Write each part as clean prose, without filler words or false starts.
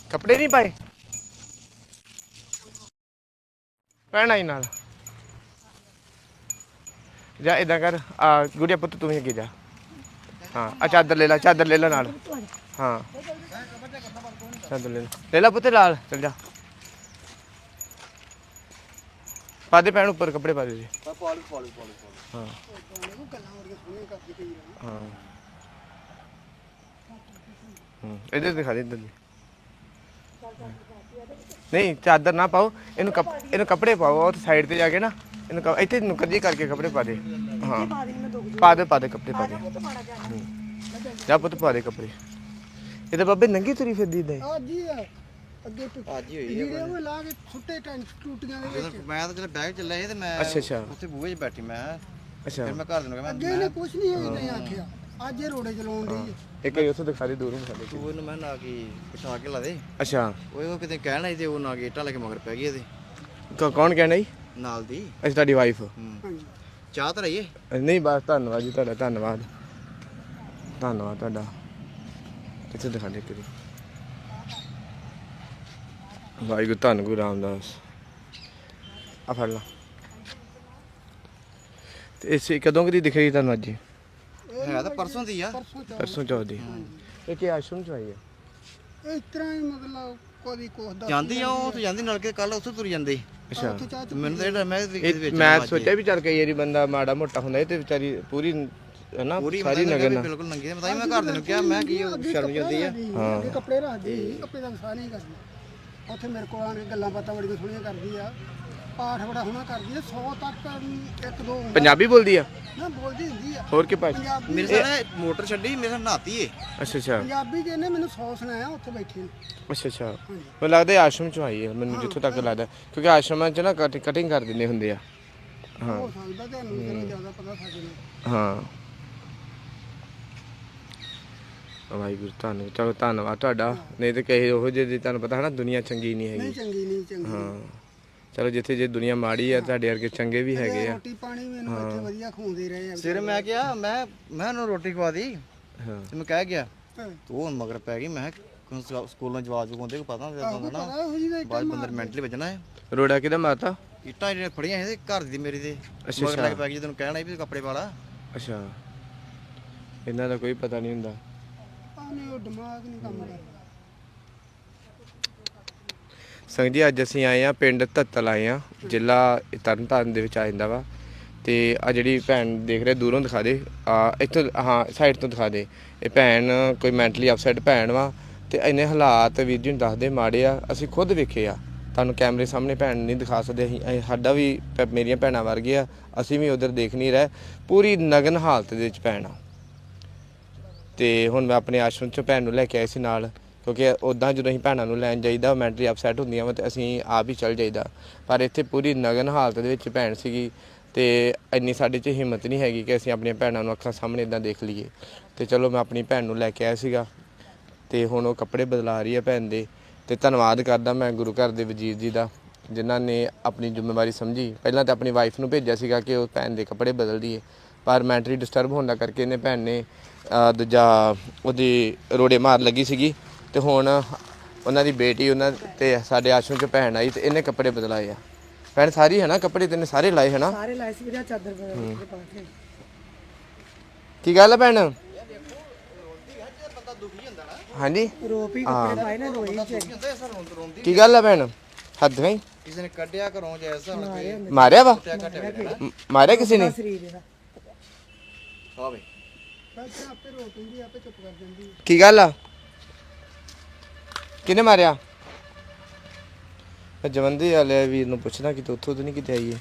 ਕੱਪੜੇ ਨਹੀਂ ਪਾਏ ਭੈਣ ਆਈ ਨਾਲ ਜਾ ਇਦਾਂ ਕਰ ਆ ਗੁੜੀਆ ਪੁੱਤ ਤੂੰ ਹੀ ਅੱਗੇ ਜਾ ਹਾਂ ਆ ਚਾਦਰ ਲੈ ਲੈ ਨਾਲ ਹਾਂ ਚਾਦਰ ਲੈ ਲੈ ਪੁੱਤ ਲਾਲ ਚੱਲ ਜਾ ਪਾ ਦੇ ਭੈਣ ਉੱਪਰ ਕੱਪੜੇ ਪਾ ਦੇ ਜੀ ਹਾਂ ਹਾਂ इधर दिखा दे इधर नहीं चादर ना पाओ इन कपड़े पाओ और साइड पे जाके ना इन इतने नुक्कर जी करके कपड़े पा दे हाँ पा दे कपड़े पा दे जा पुत पा दे कपड़े ये तो बाबे नंगी तुरी फिर दी दे ਅੱਗੇ ਅੱਜ ਹੀ ਹੋਈ ਹੈ ਉਹ ਲਾ ਕੇ ਛੁੱਟੇ ਟੂਟੀਆਂ ਦੇ ਵਿੱਚ ਮੈਂ ਤਾਂ ਚਲ ਬੈਗ ਚੱਲਿਆ ਸੀ ਤੇ ਮੈਂ ਅੱਛਾ ਉੱਥੇ ਬੂਹੇ 'ਚ ਬੈਠੀ ਮੈਂ ਅੱਛਾ ਫਿਰ ਮੈਂ ਘਰ ਦੇ ਨੂੰ ਕਿਹਾ ਅੱਗੇ ਨੇ ਕੁਝ ਨਹੀਂ ਹੋਇਆ ਆਖਿਆ ਅੱਜ ਇਹ ਰੋੜੇ ਚਲਾਉਣ ਦੀ ਇੱਕ ਹੀ ਉੱਥੇ ਦਿਖਾ ਦੇ ਦੂਰੋਂ ਦਿਖਾ ਦੇ ਤੂੰ ਇਹਨੂੰ ਮੈਂ ਨਾ ਕੀ ਪਿਛਾ ਕੇ ਲਾ ਦੇ ਅੱਛਾ ਉਹ ਕਿਤੇ ਕਹਿਣਾ ਸੀ ਤੇ ਉਹ ਨਾ ਗੇਟਾਂ ਲੈ ਕੇ ਮਗਰ ਪੈ ਗਈ ਇਹਦੇ ਕੌਣ ਕਹਿਣਾ ਜੀ ਨਾਲ ਦੀ ਅੱਛਾ ਤੁਹਾਡੀ ਵਾਈਫ ਚਾਹ ਤਾਂ ਰਹੀਏ ਨਹੀਂ ਬਸ ਧੰਨਵਾਦ ਜੀ ਤੁਹਾਡਾ ਧੰਨਵਾਦ ਤੁਹਾਡਾ ਇੱਥੇ ਦਿਖਾ ਦੇ ਕਰੀ ਵਾਹਿਗੁਰੂ ਧੰਨ ਗੁਰੂ ਰਾਮਦਾਸ ਆ ਫੜ ਲਾ ਤੇ ਇਸੇ ਕਦੋਂ ਕਦੀ ਦਿਖ ਰਹੀ ਤੁਹਾਨੂੰ ਅੱਜ ਹੈ ਤਾਂ ਪਰਸੋਂ ਦੀ ਆ ਪਰਸੋਂ ਚੌਥ ਦੀ ਇਹ ਕੀ ਆਸ਼ਰਮ ਚ ਆਈ ਹੈ ਇਸ ਤਰ੍ਹਾਂ ਹੀ ਮਤਲਬ ਕੋਈ ਕੋਸਦਾ ਜਾਂਦੀ ਆ ਉਹ ਤੇ ਜਾਂਦੀ ਨਾਲ ਕੇ ਕੱਲ ਉੱਥੇ ਤੁਰ ਜਾਂਦੇ ਅੱਛਾ ਮੈਨੂੰ ਤਾਂ ਇਹਦਾ ਮੈਂ ਸੋਚਿਆ ਵੀ ਚੱਲ ਕਈ ਵਾਰੀ ਬੰਦਾ ਮਾੜਾ ਮੋਟਾ ਹੁੰਦਾ ਤੇ ਵਿਚਾਰੀ ਪੂਰੀ ਹੈ ਨਾ ਸਾਰੀ ਨਗਰ ਨਾਲ ਬਿਲਕੁਲ ਨੰਗੀ ਮੈਂ ਘਰ ਦੇ ਨੂੰ ਕਿਹਾ ਮੈਂ ਕੀ ਸ਼ਰਮ ਜਾਂਦੀ ਆ ਹਾਂ ਕੱਪੜੇ ਰੱਖਦੀ ਕੱਪੜੇ ਦਾ ਵਸਾ ਨਹੀਂ ਕਰਦੀ ਉੱਥੇ ਮੇਰੇ ਕੋਲ ਆਣ ਕੇ ਗੱਲਾਂ ਬਾਤਾਂ ਬੜੀਆਂ ਸੋਹਣੀਆਂ ਕਰਦੀ ਆ ਪਾਠ ਬੜਾ ਸੋਹਣਾ ਕਰਦੀ ਆ 100 ਤੱਕ ਇੱਕ ਦੋ ਪੰਜਾਬੀ ਬੋਲਦੀ ਆ ਨਾ ਬੋਲਦੀ ਹੁੰਦੀ ਆ ਹੋਰ ਕੀ ਭਾਸ਼ਾ ਮੇਰੇ ਸਾਲੇ ਮੋਟਰ ਛੱਡੀ ਮੇਰੇ ਨਾਲ ਨਹਾਤੀ ਏ ਅੱਛਾ ਪੰਜਾਬੀ ਦੇ ਇਹਨੇ ਮੈਨੂੰ 100 ਸੁਣਾਇਆ ਉੱਥੇ ਬੈਠੇ ਅੱਛਾ ਮੈਨੂੰ ਲੱਗਦਾ ਆਸ਼ਰਮ ਚੋਂ ਆਈ ਹੈ ਮੈਨੂੰ ਜਿੱਥੋਂ ਤੱਕ ਲੱਗਦਾ ਕਿਉਂਕਿ ਆਸ਼ਰਮਾਂ 'ਚ ਨਾ ਕਟਿੰਗ ਕਰ ਦਿੰਦੇ ਹੁੰਦੇ ਆ ਹਾਂ ਹੋ ਸਕਦਾ ਤੁਹਾਨੂੰ ਜਰਾ ਜ਼ਿਆਦਾ ਪਤਾ ਸਾਡੇ ਨਾਲ ਹਾਂ ਵਾਹਿਗੁਰੂ ਤੁਹਾਨੂੰ ਚਲੋ ਧੰਨਵਾਦ ਤੁਹਾਡਾ ਨਹੀਂ ਤੇ ਕਹੇ ਉਹ ਜਿਹੇ ਤੁਹਾਨੂੰ ਪਤਾ ਹੈ ਨਾ ਦੁਨੀਆ ਚੰਗੀ ਨਹੀਂ ਹੈਗੀ ਨਹੀਂ ਚੰਗੀ ਹਾਂ ਚਲੋ ਜਿੱਥੇ ਜੇ ਦੁਨੀਆ ਮਾੜੀ ਆ ਤੁਹਾਡੇ ਵਰਗੇ ਚੰਗੇ ਵੀ ਹੈਗੇ ਆ ਰੋਟੀ ਪਾਣੀ ਮੈਨੂੰ ਇੱਥੇ ਵਧੀਆ ਖਵਾਉਂਦੇ ਰਹੇ ਆ ਸਿਰ ਮੈਂ ਕਿਹਾ ਮੈਂ ਉਹਨੂੰ ਰੋਟੀ ਖਵਾ ਦੀ ਹਾਂ ਤੇ ਮੈਂ ਕਹਿ ਗਿਆ ਤੂੰ ਹੁਣ ਮਗਰ ਪੈ ਗਈ ਮੈਂ ਸਕੂਲਾਂ ਜਵਾਬ ਪਾਉਂਦੇ ਕੋ ਪਤਾ ਹੁੰਦਾ ਨਾ ਬਾਅਦ ਬੰਦਰ ਮੈਂਟਲੀ ਵੱਜਣਾ ਹੈ ਰੋੜਾ ਕਿਹਦਾ ਮਾਰਤਾ ਇੱਟਾਂ ਜਿਹੜੀਆਂ ਫੜੀਆਂ ਸੀ ਘਰ ਦੀ ਮੇਰੀ ਦੇ ਮਗਰ ਲੱਗ ਪੈ ਗਈ ਤੈਨੂੰ ਕਹਿਣਾ ਵੀ ਕੱਪੜੇ ਪਾ ਲਾ ਅੱਛਾ ਇਹਨਾਂ ਦਾ ਕੋਈ ਪਤਾ ਨਹੀਂ ਹੁੰਦਾ ਉਹ ਦਿਮਾਗ ਨਹੀਂ ਕੰਮ ਕਰਦਾ ਸੰਗ ਜੀ ਅੱਜ ਅਸੀਂ ਆਏ ਆ ਪਿੰਡ ਧੱਤਲ ਆਏ ਆ ਜ਼ਿਲ੍ਹਾ ਤਰਨਤਾਰਨ ਦੇ ਵਿੱਚ ਆ ਜਾਂਦਾ ਵਾ ਤੇ ਆ ਜਿਹੜੀ ਭੈਣ ਦੇਖ ਰਹੇ ਦੂਰੋਂ ਦਿਖਾ ਦੇ ਇੱਥੋਂ ਹਾਂ ਸਾਈਡ ਤੋਂ ਦਿਖਾ ਦੇ ਇਹ ਭੈਣ ਕੋਈ ਮੈਂਟਲੀ ਅਪਸੈਟ ਭੈਣ ਵਾ ਤੇ ਇੰਨੇ ਹਾਲਾਤ ਵੀਰ ਜੀ ਨੂੰ ਦੱਸਦੇ ਮਾੜੇ ਆ ਅਸੀਂ ਖੁਦ ਵੇਖੇ ਆ ਤੁਹਾਨੂੰ ਕੈਮਰੇ ਸਾਹਮਣੇ ਭੈਣ ਨਹੀਂ ਦਿਖਾ ਸਕਦੇ ਅਸੀਂ ਸਾਡਾ ਵੀ ਮੇਰੀਆਂ ਭੈਣਾਂ ਵਰਗੇ ਆ ਅਸੀਂ ਵੀ ਉਧਰ ਦੇਖ ਨਹੀਂ ਰਹੇ ਪੂਰੀ ਨਗਨ ਹਾਲਤ ਦੇ ਵਿੱਚ ਭੈਣ ਆ ਤੇ ਹੁਣ ਮੈਂ ਆਪਣੇ ਆਸ਼ਰਮ 'ਚੋਂ ਭੈਣ ਨੂੰ ਲੈ ਕੇ ਆਏ ਸੀ ਨਾਲ ਕਿਉਂਕਿ ਉੱਦਾਂ ਜਦੋਂ ਅਸੀਂ ਭੈਣਾਂ ਨੂੰ ਲੈਣ ਜਾਈਦਾ ਮੈਂਟਲੀ ਅਪਸੈਟ ਹੁੰਦੀਆਂ ਵਾ ਤੇ ਅਸੀਂ ਆਪ ਹੀ ਚੱਲ ਜਾਈਦਾ ਪਰ ਇੱਥੇ ਪੂਰੀ ਨਗਨ ਹਾਲਤ ਦੇ ਵਿੱਚ ਭੈਣ ਸੀਗੀ ਤੇ ਇੰਨੀ ਸਾਡੇ 'ਚ ਹਿੰਮਤ ਨਹੀਂ ਹੈਗੀ ਕਿ ਅਸੀਂ ਆਪਣੀਆਂ ਭੈਣਾਂ ਨੂੰ ਅੱਖਾਂ ਸਾਹਮਣੇ ਇੱਦਾਂ ਦੇਖ ਲਈਏ ਤੇ ਚਲੋ ਮੈਂ ਆਪਣੀ ਭੈਣ ਨੂੰ ਲੈ ਕੇ ਆਇਆ ਸੀਗਾ ਤੇ ਹੁਣ ਉਹ ਕੱਪੜੇ ਬਦਲਾ ਰਹੀ ਹੈ ਭੈਣ ਦੇ ਤੇ ਧੰਨਵਾਦ ਕਰਦਾ ਮੈਂ ਗੁਰੂ ਘਰ ਦੇ ਵਜ਼ੀਰ ਜੀ ਦਾ ਜਿਨ੍ਹਾਂ ਨੇ ਆਪਣੀ ਜ਼ਿੰਮੇਵਾਰੀ ਸਮਝੀ ਪਹਿਲਾਂ ਤਾਂ ਆਪਣੀ ਵਾਈਫ ਨੂੰ ਭੇਜਿਆ ਸੀਗਾ ਕਿ ਉਹ ਭੈਣ ਦੇ ਕੱਪੜੇ ਬਦਲ ਦੀਏ ਪਰ ਮੈਂਟਲੀ ਡਿਸਟਰਬ ਹੋਣ ਦਾ ਕਰਕੇ ਇਹਨੇ ਭੈਣ ਨੇ ਦੂਜਾ ਉਹਦੀ ਰੋੜੇ ਮਾਰ ਲੱਗੀ ਸੀਗੀ ਤੇ ਹੁਣ ਉਹਨਾਂ ਦੀ ਬੇਟੀ ਉਹਨਾਂ ਤੇ ਸਾਡੇ ਆਸ਼ਰਮ 'ਚ ਭੈਣ ਆਈ ਤੇ ਇਹਨੇ ਕੱਪੜੇ ਬਦਲਾਏ ਆ ਭੈਣ ਸਾਰੀ ਹੈ ਨਾ ਕੱਪੜੇ ਤੈਨੇ ਸਾਰੇ ਲਾਏ ਹੈ ਨਾ ਸਾਰੇ ਲਾਏ ਸੀ ਵੀਰੇ ਚਾਦਰ ਪਾ ਕੇ ਕੀ ਗੱਲ ਹੈ ਭੈਣ ਹਾਂਜੀ ਰੋਪ ਹੀ ਕੱਪੜੇ ਪਾਏ ਨਾ ਰੋਈ ਕੀ ਗੱਲ ਹੈ ਭੈਣ ਹੱਦ ਗਈ ਕਿਸੇ ਨੇ ਕੱਢਿਆ ਘਰੋਂ ਜੈਸਾ ਹੁਣ ਕੇ ਮਾਰਿਆ ਵਾ ਮਾਰਿਆ ਕਿਸੇ ਨੇ ਸਰੀਰ ਦਾ ਹੋਵੇ ਆਪੇ ਰੋ ਪੈਂਦੀ ਆਪੇ ਚੁੱਪ ਕਰ ਜਾਂਦੀ ਕੀ ਗੱਲ ਆ ਕਿਹਨੇ ਮਾਰਿਆ ਜਵੰਦੀ ਵਾਲੇ ਵੀਰ ਨੂੰ ਪੁੱਛਣਾ ਕਿ ਤੂੰ ਉੱਥੋਂ ਤਾਂ ਨਹੀਂ ਕਿਤੇ ਆਈ ਹੈ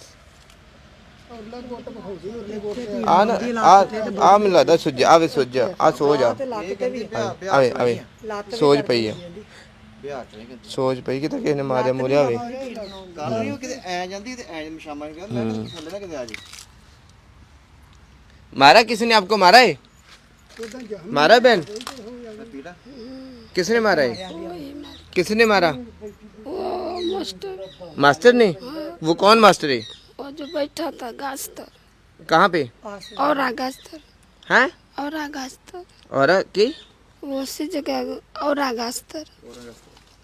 ਆ ਨਾ ਆ ਮੈਨੂੰ ਲੱਗਦਾ ਸੁੱਜ ਆਵੇ ਸੁੱਜ ਆ ਸੋਜ ਆ ਆਵੇ ਆਵੇ ਸੋਜ ਪਈ ਆ ਸੋਜ ਪਈ ਕਿਤੇ ਕਿਸੇ ਨੇ ਮਾਰਿਆ ਮੁਰਿਆ ਹੋਵੇ ਕੱਲ ਨਹੀਂ ਉਹ ਕਿਤੇ ਐ ਜਾਂਦੀ ਤੇ ਐ ਸ਼ਾਮਾਂ ਨੂੰ ਕਹਿੰਦਾ ਮੈਂ ਥੱਲੇ ਨਾ ਕਿਤੇ ਆ ਜੀ मारा किसी ने आपको मारा है मारा बहन किसने मारा है किसने मारा मास्टर ने वो कौन मास्टर है वो जो बैठा था गास्तर कहाँ पे और गास्तर हैं और गास्तर और की वो उसी जगह और गास्तर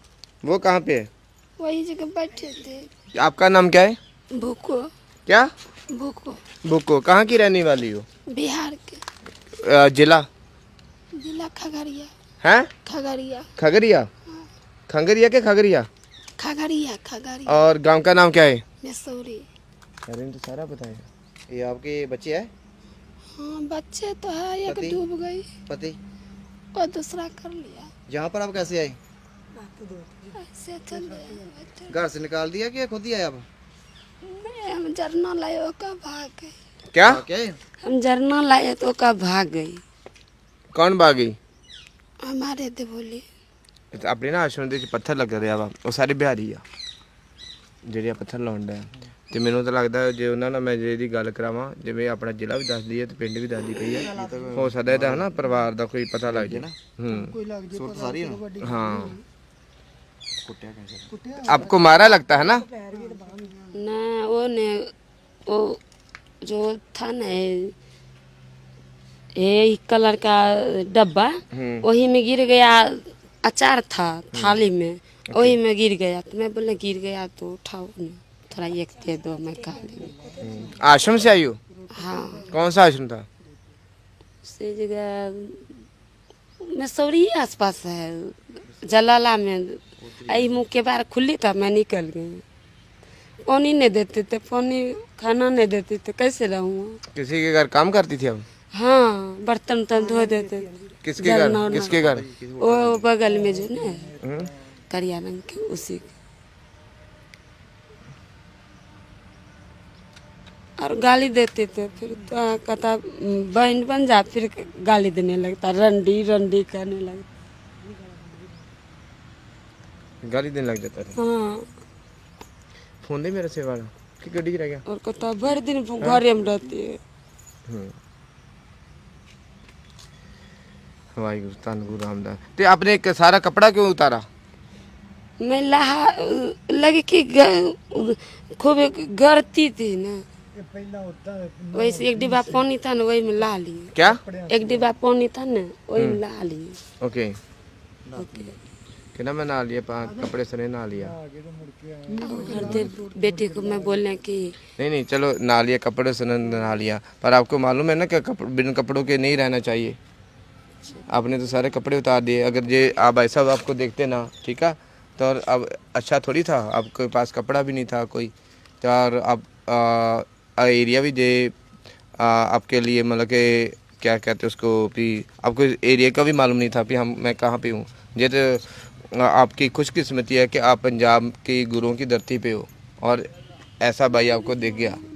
वो कहाँ पे है? वही जगह बैठे थे। आपका नाम क्या है? भूको क्या? भूको बुक्को। कहाँ की रहने वाली हो? बिहार के जिला जिला खगड़िया। है? खगड़िया खगड़िया। खंगरिया के खगड़िया। खगड़िया खगड़िया और गांव का नाम क्या है? मसूरी। अरे तो सारा बताया। ये आपके बच्चे हैं? हाँ बच्चे तो है, एक पति? डूब गई पति? और दूसरा कर लिया। यहाँ पर आप कैसे आए? ऐसे चल रहे घर से निकाल दिया कि खुद ही आए आप? नहीं, हम जरना लाए ओका भाग गई। क्या? क्या? हम जरना लाए तो ओका भाग गई। कौन भागी? हमारे दे बोली अपने ना आश्रम ਦੇ ਵਿੱਚ ਪੱਥਰ ਲੱਗ ਰਿਹਾ ਵਾ ਉਹ ਸਾਰੇ ਬਿਹਾਰੀ ਆ ਜਿਹੜੇ ਆ ਪੱਥਰ ਲਾਉਣ ਦਾ ਤੇ ਮੈਨੂੰ ਤਾਂ ਲੱਗਦਾ ਜੇ ਉਹਨਾਂ ਨਾਲ ਮੈਂ ਜੇ ਦੀ ਗੱਲ ਕਰਾਵਾਂ ਜਿਵੇਂ ਆਪਣਾ ਜ਼ਿਲ੍ਹਾ ਵੀ ਦੱਸਦੀ ਹੈ ਤੇ ਪਿੰਡ ਵੀ ਦੱਸਦੀ ਪਈ ਹੈ ਹੋ ਸਕਦਾ ਇਹਦਾ ਹਨਾ ਪਰਿਵਾਰ ਦਾ ਕੋਈ ਪਤਾ ਲੱਗ ਜਾਏ ਹੂੰ ਕੋਈ ਲੱਗ ਜੇ सूरत सारी है ना? ਵੱਡੀ हाँ कुटिया कैसे? ਕੁੱਟਿਆ आपको मारा लगता है ना? ना वो ने वो जो था ना ये कलर का डब्बा वही में गिर गया। अचार था थाली में, वही में गिर गया तो मैं बोले गिर गया तो उठाओ ना, थोड़ा एक दे दो मैं खा लेंगे। आश्रम से आई हो? हाँ कौन सा आश्रम था? से जगह मसूरी आसपास है, जलाला में। आई मुँह के बाहर खुली था, मैं निकल गई। पानी नहीं देते थे, पानी खाना नहीं देते थे, कैसे रहूँगा। किसी के घर काम करती थी अब? हाँ बर्तन वर्तन धो देते थे। किसके घर? जलना उलना। किसके घर? वो बगल में जो ना हम्म? करिया रंग के उसी के। और गाली देते थे, फिर तो कहता बहन बन जा, फिर गाली देने लगता, रंडी रंडी करने लगता। गाली देने लग जाता था। हाँ फोन दे मेरे से वाला कि गड्डी रह गया। और कहता भर दिन घरे में रहती है। वाहिगुरु धन गुरु रामदास। ते आपने एक सारा कपड़ा क्यों उतारा? मैं लहा लगी कि खूब गरती थी ना, वैसे एक डिब्बा पानी था ना, वही में ला लिए। क्या? एक डिब्बा पानी था ना, वही में ला लिए। Okay okay. कि ना मैं नहा लिया कपड़े सने नहा लिया। हर देर बेटे को मैं बोलने की नहीं नहीं चलो नहा लिया कपड़े सने नहा लिया, पर आपको मालूम है ना कि बिन कपड़ों के नहीं रहना चाहिए। आपने तो सारे कपड़े उतार दिए। अगर ये आप ऐसा आपको देखते ना, ठीक है, तो और अब अच्छा थोड़ी था, आपके पास कपड़ा भी नहीं था कोई, तो और अब एरिया भी दे आपके लिए मतलब कि क्या कहते उसको भी, आपको एरिया का भी मालूम नहीं था कि मैं कहाँ पे हूँ। ये तो आपकी खुशकिस्मती है कि आप पंजाब की गुरुओं की धरती पे हो और ऐसा भाई आपको दिख गया।